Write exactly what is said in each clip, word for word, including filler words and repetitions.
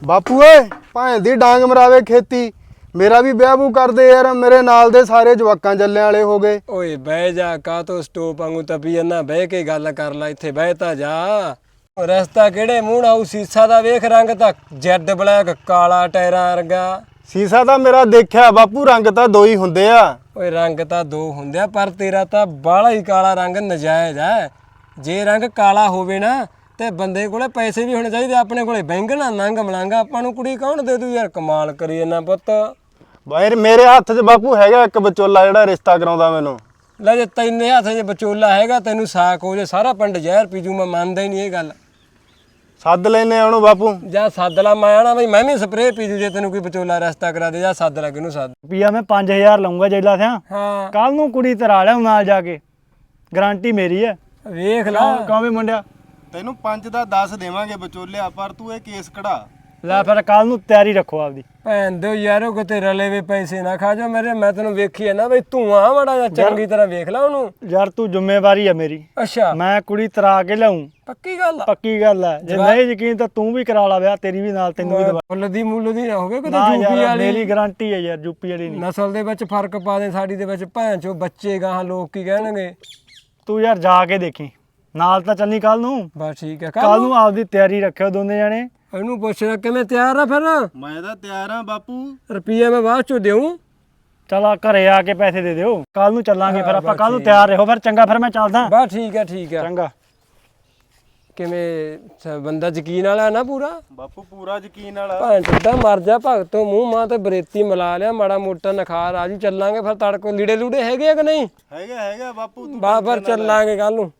ਬਾਪੂ ਓਏ ਭਾਂ ਦੀ ਡਾਂਗ ਮਰਾਵੇ ਖੇਤੀ मेरा भी ब्याह बू कर दे यार मेरे नाल दे सारे जवाकां जल्ले वाले हो गए। ओए बह जा का तो स्टोप वांगू तपी ना बह के गल कर ला इत्थे बहता जा रस्ता केड़े मूंह आऊ सीसा दा वेख रंग ता जैड ब्लैक काला टायरां वर्गा सीसा दा मेरा देखिया बापू रंग ता दो ही हुंदे आ। ओए रंग ता दो हुंदे आ पर तेरा ता बाला ही काला रंग नजायज है जे रंग काला होवे ना ते बंदे कोले पैसे भी होने चाहिए अपने कोले बैंगना नंग मलांगा आपां नूं कुड़ी कौन दे दू यार कमाल करी ना पुੱਤ बाहर मेरे हाथ च बापू हैगा एक विचोला जिहड़ा रिश्ता कराउंदा मैनू ਲੈ ਜੇ ਤੈਨੇ ਹੱਥ 'ਚ ਵਿਚੋਲਾ ਹੈਗਾ ਤੈਨੂੰ ਸਾਕ ਹੋ ਜੇ ਸਾਰਾ ਪਿੰਡ ਜ਼ਹਿਰ ਪੀਜੂ ਮੈਂ ਮੰਨਦਾ ਹੀ ਨਹੀਂ ਇਹ ਗੱਲ ਸੱਦ ਲੈਨੇ ਉਹਨੂੰ ਬਾਪੂ ਜਾਂ ਸੱਦ ਲਾ ਮੈਂ ਆਣਾ ਬਈ ਮੈਂ ਵੀ ਸਪਰੇਅ ਪੀਜੂ ਜੇ ਤੈਨੂੰ ਕੋਈ ਵਿਚੋਲਾ ਰਸਤਾ ਕਰਾ ਦੇ ਜਾਂ ਸੱਦ ਲਾ ਕਿਹਨੂੰ ਸੱਦ ਰੁਪਈਆ ਮੈਂ ਪੰਜ ਹਜ਼ਾਰ ਲਊਂਗਾ ਜੈਲਾ ਸਿਆ ਹਾਂ ਕੱਲ ਨੂੰ ਕੁੜੀ ਤਰਾ ਲਿਆ ਨਾਲ ਜਾ ਕੇ ਗਾਰੰਟੀ ਮੇਰੀ ਹੈ ਵੇਖ ਲਾ ਕਹਾਂ ਵੀ ਮੁੰਡਿਆ ਤੈਨੂੰ ਪੰਜ ਦਾ ਦਸ ਦੇਵਾਂਗੇ ਵਿਚੋਲਿਆ ਪਰ ਤੂੰ ਇਹ ਕੇਸ ਕਢਾ ਲੈ ਫਿਰ ਕੱਲ ਨੂੰ ਤਿਆਰੀ ਰੱਖੋ ਆਪਦੀ ਭੈਣ ਦਿਓ ਯਾਰੋ ਕਿਤੇ ਰਲੇ ਵੇ ਪੈਸੇ ਨਾ ਖਾ ਜਾ ਮੇਰੇ ਮੈਂ ਤੈਨੂੰ ਵੇਖੀ ਹੈ ਨਾ ਬਈ ਤੂੰ ਆ ਮੜਾ ਜਾ ਚੰਗੀ ਤਰ੍ਹਾਂ ਵੇਖ ਲਾ ਉਹਨੂੰ ਯਾਰ ਤੂੰ ਜ਼ਿੰਮੇਵਾਰੀ ਹੈ ਮੇਰੀ ਅੱਛਾ ਮੈਂ ਕੁੜੀ ਤਰਾ ਕੇ ਲਿਆਉਂ ਪੱਕੀ ਗੱਲ ਆ ਪੱਕੀ ਗੱਲ ਹੈ ਜੇ ਨਹੀਂ ਯਕੀਨ ਤਾਂ ਤੂੰ ਵੀ ਕਰਾ ਲਾ ਵਿਆਹ ਤੇਰੀ ਵੀ ਨਾਲ ਤੈਨੂੰ ਵੀ ਦਵਾ ਫੁੱਲ ਦੀ ਮੁੱਲ ਦੀ ਨਾ ਹੋਵੇ ਕਿਤੇ ਨਾ ਯੂਪੀ ਯਾਰ ਵਾਲੀ ਮੇਰੀ ਗਾਰੰਟੀ ਹੈ ਯਾਰ ਯੂਪੀ ਵਾਲੀ ਨਹੀਂ ਨਸਲ ਦੇ ਵਿੱਚ ਫਰਕ ਪਾ ਦੇ ਸਾਡੀ ਦੇ ਵਿੱਚ ਭੈਣ ਚੋ ਬੱਚੇ ਗਾਹਾਂ ਲੋਕ ਕੀ ਕਹਿਣਗੇ ਤੂੰ ਯਾਰ ਜਾ ਕੇ ਦੇਖੀ ਨਾਲ ਤਾਂ ਚੱਲੀ ਕੱਲ ਨੂੰ ਬਸ ਠੀਕ ਹੈ ਕੱਲ ਨੂੰ ਆਪਦੀ ਤਿਆਰੀ ਰੱਖਿਓ ਦੋਨੇ ਜਾਣੇ ਇਹਨੂੰ ਪੁੱਛਦਾ ਕਿਵੇਂ ਤਿਆਰ ਆ ਫਿਰ ਮੈਂ ਤਾਂ ਤਿਆਰ ਆ ਬਾਪੂ ਰੁਪਈਆ ਮੈਂ ਬਾਅਦ ਚੋਂ ਦੇਉਂ ਚਲ ਆ ਘਰੇ ਆ ਕੇ ਪੈਸੇ ਦੇ ਦਿਓ ਕੱਲ ਨੂੰ ਚੱਲਾਂਗੇ ਫਿਰ ਆਪਾਂ ਕੱਲ ਨੂੰ ਤਿਆਰ ਰਹੋ ਫਿਰ ਚੰਗਾ ਫਿਰ ਮੈਂ ਚੱਲਦਾ ਬਸ ਠੀਕ ਹੈ ਠੀਕ ਹੈ ਚੰਗਾ ਕਿਵੇਂ ਸ- ਬੰਦਾ ਯਕੀਨ ਵਾਲਾ ਨਾ ਪੂਰਾ ਬਾਪੂ ਪੂਰਾ ਯਕੀਨ ਵਾਲਾ ਭਾਂ ਚੁੱਦਾ ਮਰ ਜਾ ਭਗਤੋਂ ਮੂੰਹ ਮਾਂ ਤੇ ਬਰੇਤੀ ਮਿਲਾ ਲਿਆ ਮਾੜਾ ਮੋਟਾ ਨਖਾਰ ਆ ਜੀ ਚੱਲਾਂਗੇ ਫਿਰ ਤੜਕੋ ਲੀੜੇ ਲੂੜੇ ਹੈਗੇ ਆ ਕਿ ਨਹੀਂ ਹੈਗਾ ਹੈਗਾ ਬਾਪੂ ਤੂੰ ਬਸ ਫਿਰ ਚੱਲਾਂਗੇ ਕੱਲ ਨੂੰ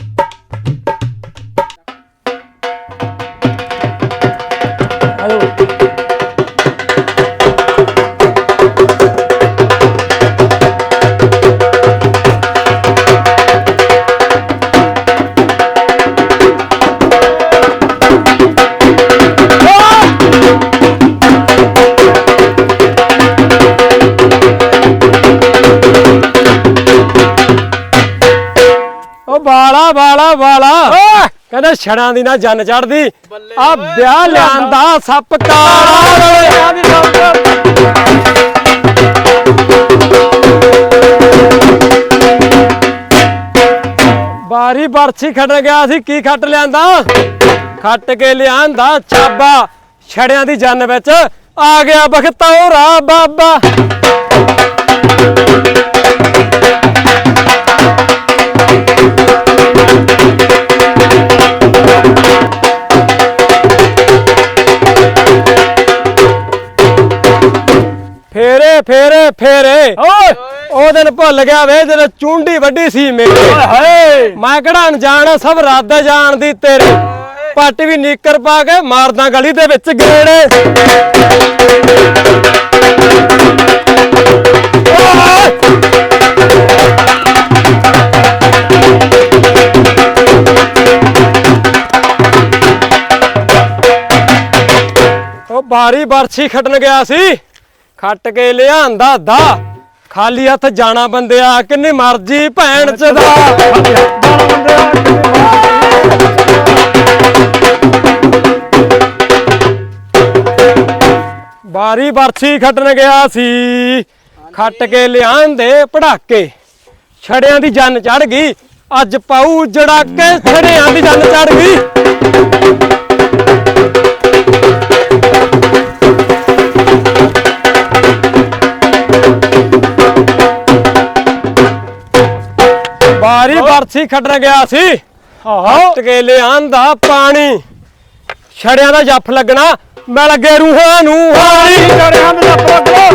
ਆਜੋ ਬਾਲਾ ਬਾਲਾ ਬਾਲਾ ਕਹਿੰਦਾ ਛੜਾਂ ਦੀ ਨਾ ਜੰਨ ਚੜਦੀ ਆ ਵਿਆਹ ਲਿਆਂਦਾ ਸੱਪ ਕਾਲਾ ਬਾਰੀ ਬਰਛੀ ਖੱਟ ਗਿਆ ਸੀ ਕੀ ਖੱਟ ਲਿਆਂਦਾ ਖੱਟ ਕੇ ਲਿਆਂਦਾ ਛਾਬਾ ਛੜਿਆਂ ਦੀ ਜੰਨ ਵਿੱਚ ਆ ਗਿਆ ਬਖਤੌਰਾ ਬਾਬਾ ਫੇਰੇ ਫੇਰੇ ਫੇਰੇ ਓਏ ਉਹ ਦਿਨ ਭੁੱਲ ਗਿਆ ਵੇ ਜਦੋਂ ਚੁੰਡੀ ਵੱਡੀ ਸੀ ਮੇਰੀ ਹਾਏ ਮੈਂ ਕਿਹੜਾ ਅਣਜਾਣ ਸਭ ਰਾਦਾ ਜਾਣਦੀ ਤੇਰੀ ਪੱਟ ਵੀ ਨੀਕਰ ਪਾ ਕੇ ਮਾਰਦਾ ਗਲੀ ਦੇ ਵਿੱਚ ਗੇੜੇ ਉਹ ਬਾਰੀ ਬਰਛੀ ਖੱਟਣ ਗਿਆ ਸੀ ਖੱਟ ਕੇ ਲਿਆਂਦਾ ਦਾ ਖਾਲੀ ਹੱਥ ਜਾਣਾ ਬੰਦਿਆ ਕਿੰਨੀ ਮਰਜੀ ਭੈਣ ਚ ਦਾ ਬਾਰੀ ਬਰਛੀ ਖੱਟਣ ਗਿਆ ਸੀ ਖੱਟ ਕੇ ਲਿਆਂਦੇ ਪੜਾਕੇ ਛੜਿਆਂ ਦੀ ਜੰਨ ਚੜ ਗਈ ਅੱਜ ਪਾਉ ਜੜਾ ਕੇ ਛੜਿਆਂ ਦੀ ਜੰਨ ਚੜ ਗਈ ਬਾਰੀ ਬਰਛੀ ਖੱਟਣ ਗਿਆ ਸੀ ਹੱਟ ਕੇ ਲਿਆਂਦਾ ਪਾਣੀ ਛੜਿਆਂ ਦਾ ਜੱਫ ਲੱਗਣਾ ਮਿਲ ਗਏ ਰੂਹਾਂ ਨੂੰ ਹਾਣੀ ਛੜਿਆਂ ਦਾ ਜੱਫ ਲੱਗਣਾ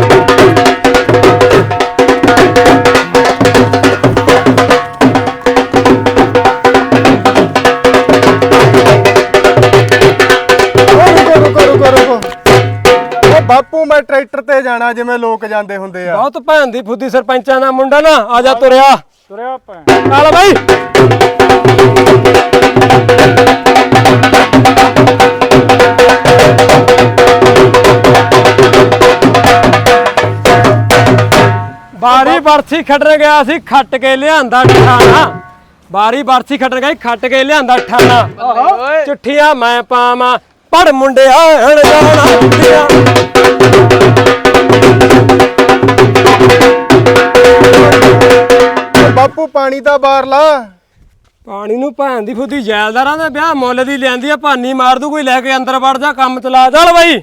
ਰੁਕੋ ਰੁਕੋ ਰੁਕੋ ਉਹ ਬਾਪੂ ਮੈਂ ਟਰੈਕਟਰ ਤੇ ਜਾਣਾ ਜਿਵੇਂ ਲੋਕ ਜਾਂਦੇ ਹੁੰਦੇ ਆ ਬਹੁਤ ਭੈਣ ਦੀ ਫੁੱਦੀ ਸਰਪੰਚਾਂ ਦਾ ਮੁੰਡਾ ਨਾ ਆ ਜਾ ਤੁਰਿਆ ਤੁਰਿਆ ਭੈਣ ਚੱਲ ਬਾਈ ਬਾਰੀ ਬਰਛੀ ਖੱਟਣ ਗਿਆ ਸੀ ਖੱਟ ਕੇ ਲਿਆਂਦਾ ਠਾਣਾ ਬਾਰੀ ਬਰਛੀ ਖੱਟਣ ਗਿਆ ਖੱਟ ਕੇ ਲਿਆਂਦਾ ਠਾਣਾ ਚਿੱਠੀਆਂ ਮੈਂ ਪਾਵਾਂ ਪੜ ਮੁੰਡਿਆ ਅਣਜਾਣਾ ਹੁੰਦਿਆ। ਬਾਪੂ ਪਾਣੀ ਤਾਂ ਬਾਹਰ ਲਾ। ਪਾਣੀ ਨੂੰ ਭੈਣ ਦੀ ਫੁੱਦੀ ਜੈਲਦਾਰਾਂ ਦੇ ਵਿਆਹ ਮੁੱਲ ਦੀ ਲਿਆਂਦੀ ਆ, ਭਾਨੀ ਮਾਰ ਦੂ ਕੋਈ ਲੈ ਕੇ ਅੰਦਰ ਵੜ ਜਾ, ਕੰਮ ਚਲਾ ਚੱਲ ਬਾਈ।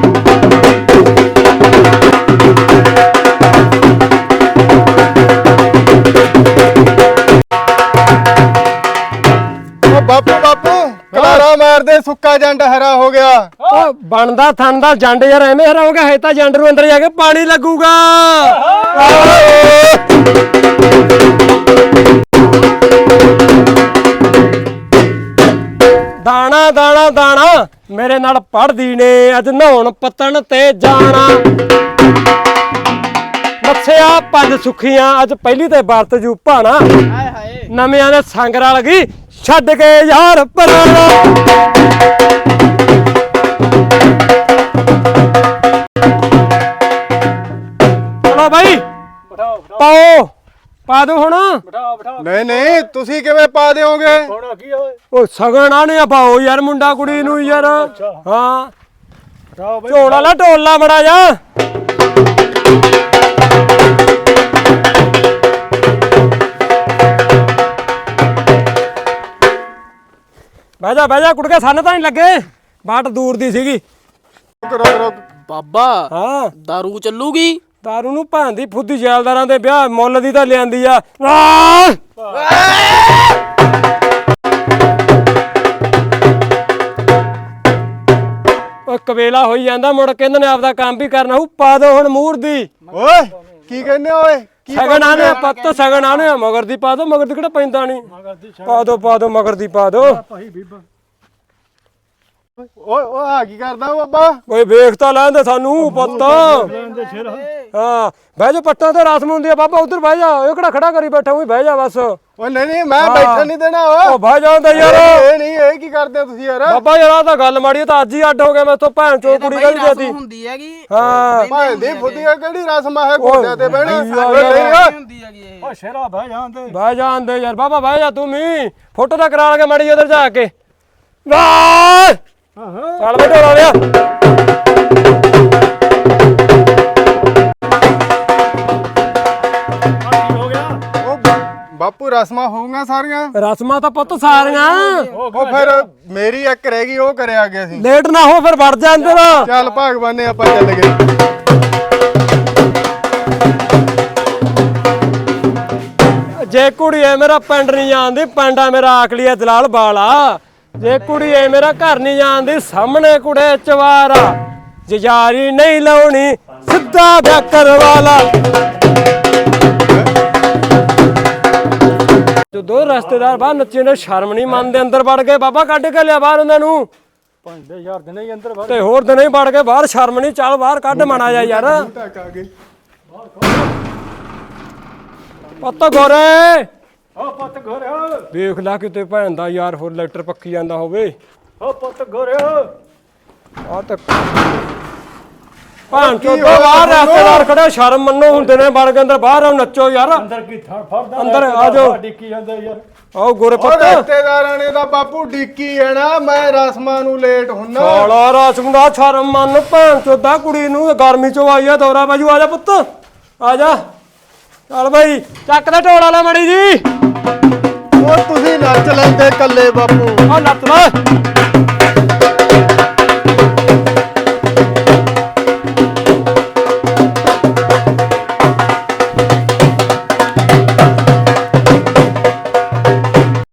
ਓ ਬਾਪੂ ਬਾਪੂ ਕਲਾਰਾ ਮਾਰਦੇ, ਸੁੱਕਾ ਜੰਡ ਹਰਾ ਹੋ ਗਿਆ। ਓ ਬਣਦਾ ਥਣ ਦਾ ਜੰਡ ਯਾਰ ਐਵੇਂ ਹਰਾ ਹੋ ਗਿਆ, ਹੈ ਤਾਂ ਜੰਡ ਨੂੰ ਅੰਦਰ ਜਾ ਕੇ ਪਾਣੀ ਲੱਗੂਗਾ। ਦਾਣਾ ਦਾਣਾ ਦਾਣਾ ਮੇਰੇ ਨਾਲ ਪੜਦੀ ਨੇ, ਅੱਜ ਨਹਾਉਣ ਪੱਤਣ ਤੇ ਜਾਣਾ। ਮੱਛਿਆ ਪੰਜ ਸੁੱਖੀਆਂ, ਅੱਜ ਪਹਿਲੀ ਤੇ ਵਰਤ ਜੂ ਭਾਣਾ। ਨਵਿਆਂ ਦੇ ਸੰਗ ਰਲ ਗਈ, ਛੱਡ ਕੇ ਯਾਰ ਪੁਰਾਣਾ। ਚਲੋ ਬਾਈ ਬਿਠਾਓ ਬਿਠਾਓ ਪਾਓ, ਪਾ ਦੋ ਹੁਣ। ਬਿਠਾਓ ਬਿਠਾਓ ਨਹੀਂ ਨਹੀਂ, ਤੁਸੀਂ ਕਿਵੇਂ ਪਾ ਦਿਓਗੇ? ਹੁਣ ਕੀ ਹੋਏ? ਉਹ ਸਗਣ ਆਣੇ ਆ ਪਾਓ ਯਾਰ, ਮੁੰਡਾ ਕੁੜੀ ਨੂੰ ਯਾਰ। ਹਾਂ ਬਿਠਾਓ ਬਈ ਝੋਲਾ ਲਾ ਢੋਲਾ ਮੜਾ ਜਾ। ਬਹਿ ਜਾ ਬਹਿ ਜਾ ਕੁੜਕੇ, ਸੰਨ ਤਾਂ ਨਹੀਂ ਲੱਗੇ, ਬਾਟ ਦੂਰ ਦੀ ਸੀਗੀ। ਰੁਕ ਰੁਕ। ਬਾਬਾ ਹਾਂ ਦਾਰੂ ਚੱਲੂਗੀ? ਦਾਰੂ ਨੂੰ ਭਾਂ ਦੀ ਫੁੱਦੀ ਜੈਲਦਾਰਾਂ ਦੇ ਵਿਆਹ ਮੁੱਲ ਦੀ ਤਾਂ ਲਿਆਂਦੀ ਆ। ਆਹ! ਉਹ ਕਵੇਲਾ ਹੋਈ ਜਾਂਦਾ, ਮੁੜ ਕੇ ਇਹਨਾਂ ਨੇ ਆਪਦਾ ਕੰਮ ਵੀ ਕਰਨਾ ਹੋਊ। ਪਾ ਦੋ ਹੁਣ ਮੂਹਰ ਦੀ। ਓਏ ਕੀ ਕਹਿੰਦੇ ਓਏ? ਕੀ ਸਗਣ ਆਨੇ ਆ ਪੱਤ, ਸਗਣ ਆਨੇ ਆ ਮਗਰ ਦੀ ਪਾ ਦੋ, ਮਗਰ ਦੀ ਕਿਹੜਾ ਪੈਂਦਾ ਨਹੀਂ। ਪਾ ਦੋ ਪਾ ਦੋ ਮਗਰ ਦੀ ਪਾ ਦੋ। ਭਾਈ ਬੀਬਾ ਓਏ ਓਏ ਆ ਕੀ ਕਰਦਾ ਬਾਬਾ? ਓਏ ਵੇਖ ਤਾਂ ਲੈਂਦੇ ਸਾਨੂੰ ਪੁੱਤ। ਦੇ ਛੇਰ ਹਾਂ ਬਹਿ ਜਾ, ਪੱਟਾਂ ਤੇ ਰਸਮ ਹੁੰਦੀ ਆ ਬਾਬਾ, ਉਧਰ ਬਹਿ ਜਾ। ਇਹ ਕਿਹੜਾ ਖੜਾ ਕਰੀ ਬੈਠਾ, ਉਹੀ ਬਹਿ ਜਾ ਬਸ। ਓਏ ਨਹੀਂ ਨਹੀਂ, ਮੈਂ ਬੈਠਣ ਨਹੀਂ ਦੇਣਾ। ਓ ਉਹ ਬਹਿ ਜਾਂਦਾ ਯਾਰ। ਇਹ ਨਹੀਂ, ਇਹ ਕੀ ਕਰਦੇ ਹੋ ਤੁਸੀਂ ਯਾਰ? ਬਾਬਾ ਯਾਰ ਆਹ ਤਾਂ ਗੱਲ ਮਾੜੀ ਆ, ਤਾਂ ਅੱਜ ਹੀ ਅੱਡ ਹੋ ਗਿਆ ਮੈਥੋਂ, ਭੈਣ ਚੋ ਕੁੜੀ ਕਹਿੰਦੀ ਦੇਤੀ। ਹੁੰਦੀ ਹੈਗੀ, ਹਾਂ ਭਾਂ ਦੀ ਫੁੱਦੀਆਂ ਕਿਹੜੀ ਰਸਮ ਹੈ ਘੋੜਿਆਂ ਤੇ ਬਹਿਣਾ? ਓਏ, ਓਏ ਨਹੀਂ ਓਏ। ਹੁੰਦੀ ਹੈਗੀ ਇਹ। ਓ ਸ਼ੇਰਾ ਬਹਿ ਜਾਂਦੇ। ਬਹਿ ਜਾਂਦੇ ਯਾਰ ਬਾਬਾ, ਬਹਿ ਜਾ ਤੂੰ ਵੀ। ਫੋਟੋ ਤਾਂ ਕਰਾ ਕੇ ਮਾੜੀ ਉਧਰ ਜਾ ਕੇ। ਵਾਹ ਹਾਂ ਹਾਂ ਚੱਲ ਬੈਠੋ ਲਾ ਲਿਆ। ਕੀ ਹੋ ਗਿਆ? ਓ ਬਾ- ਬਾਪੂ ਰਸਮਾਂ ਹੋਊਗਾ ਸਾਰੀਆਂ? ਰਸਮਾਂ ਤਾਂ ਪੁੱਤ ਸਾਰੀਆਂ। ਉਹ ਫਿਰ ਮੇਰੀ ਇੱਕ ਰਹਿ ਗਈ, ਉਹ ਕਰਿਆ ਗਿਆ ਸੀ। ਲੇਟ ਨਾ ਹੋ ਫਿਰ ਵੜ ਜਾ ਅੰਦਰ। ਚੱਲ ਭਗਵਾਨੇ ਆਪਾਂ ਚੱਲ ਗਏ। ਜੇ ਕੁੜੀ ਐ ਮੇਰਾ ਪਿੰਡ ਨਹੀਂ ਜਾਣਦੀ, ਪਿੰਡ ਆ ਮੇਰਾ ਆਕਲੀਆ ਦਲਾਲ ਬਾਲਾ। ਜੇ ਕੁੜੀ ਐ ਮੇਰਾ ਘਰ ਨਹੀਂ ਜਾਣਦੀ, ਸਾਹਮਣੇ ਕੁੜੇ ਚਵਾਰਾ। ਜੇ ਯਾਰੀ ਨਹੀਂ ਲਾਉਣੀ, ਸਿੱਧਾ ਵਿਆਹ ਕਰਵਾ ਲਾ। ਜਦੋਂ ਰਿਸ਼ਤੇਦਾਰ ਬਾਹਰ ਨੱਚੇ ਨੇ, ਸ਼ਰਮ ਨਹੀਂ ਮੰਨਦੇ, ਅੰਦਰ ਵੜ ਗਏ। ਬਾਬਾ ਕੱਢ ਕੇ ਲਿਆ ਬਾਹਰ ਉਹਨਾਂ ਨੂੰ। ਪੰਜ ਹਜ਼ਾਰ ਦੇ ਨਹੀਂ ਅੰਦਰ ਵੜ। ਤੇ ਹੋਰ ਦਿਨ ਹੀ ਵੜ ਕੇ ਬਾਹਰ, ਸ਼ਰਮ ਨਹੀਂ। ਚੱਲ ਬਾਹਰ ਕੱਢ ਮਾਣਾ ਜਾ ਯਾਰ। ਢੱਕ ਆ ਗਏ। ਪੁੱਤ ਗੋਰੇ ਓ ਪੁੱਤ ਘਰੇ ਵੇਖ ਲੈ ਕਿਤੇ ਭੈਣ ਦਾ ਯਾਰ ਹੋਰ ਲੈਟਰ ਪੱਕੀ ਜਾਂਦਾ ਹੋਵੇ। ਓ ਪੁੱਤ ਘਰੇ ਆ ਤਾਂ ਭਾਂ ਚੋ ਬਾਹਰ ਰਿਸ਼ਤੇਦਾਰ ਖੜੇ, ਸ਼ਰਮ ਮੰਨੋ, ਹੁੰਦੇ ਨੇ ਵੜ ਕੇ ਅੰਦਰ। ਬਾਹਰ ਆਓ ਨੱਚੋ ਯਾਰ। ਅੰਦਰ ਕੀ ਥੜ ਫੜਦਾ? ਅੰਦਰ ਆ ਜਾਓ। ਡਿੱਕੀ ਜਾਂਦਾ ਯਾਰ। ਆਓ ਗੋਰੇ ਉਹ ਪੁੱਤ। ਰਿਸ਼ਤੇਦਾਰਾਂ ਨੇ ਤਾਂ ਬਾਪੂ ਡੀਕੀ ਹੈ ਨਾ, ਮੈਂ ਰਸਮਾਂ ਨੂੰ ਲੇਟ ਹੁੰਨਾ। ਸਾਲਾ ਰਸਮ ਦਾ ਸ਼ਰਮ ਮੰਨ, ਭਾਂ ਚੋਦਾ ਕੁੜੀ ਨੂੰ ਗਰਮੀ ਚੋਂ ਆਈ ਆ ਦੌਰਾ ਬਾਜੂ। ਆ ਜਾ ਪੁੱਤ ਆ ਜਾ। ਚੱਲ ਬਾਈ ਚੱਕ ਦਾ ਢੋਲਾ ਲਾ ਮੜੀ ਜੀ। ਉਹ ਤੁਸੀਂ ਨੱਚ ਲੈਂਦੇ ਕੱਲੇ ਬਾਪੂ। ਆ ਲੱਤ ਲਾ।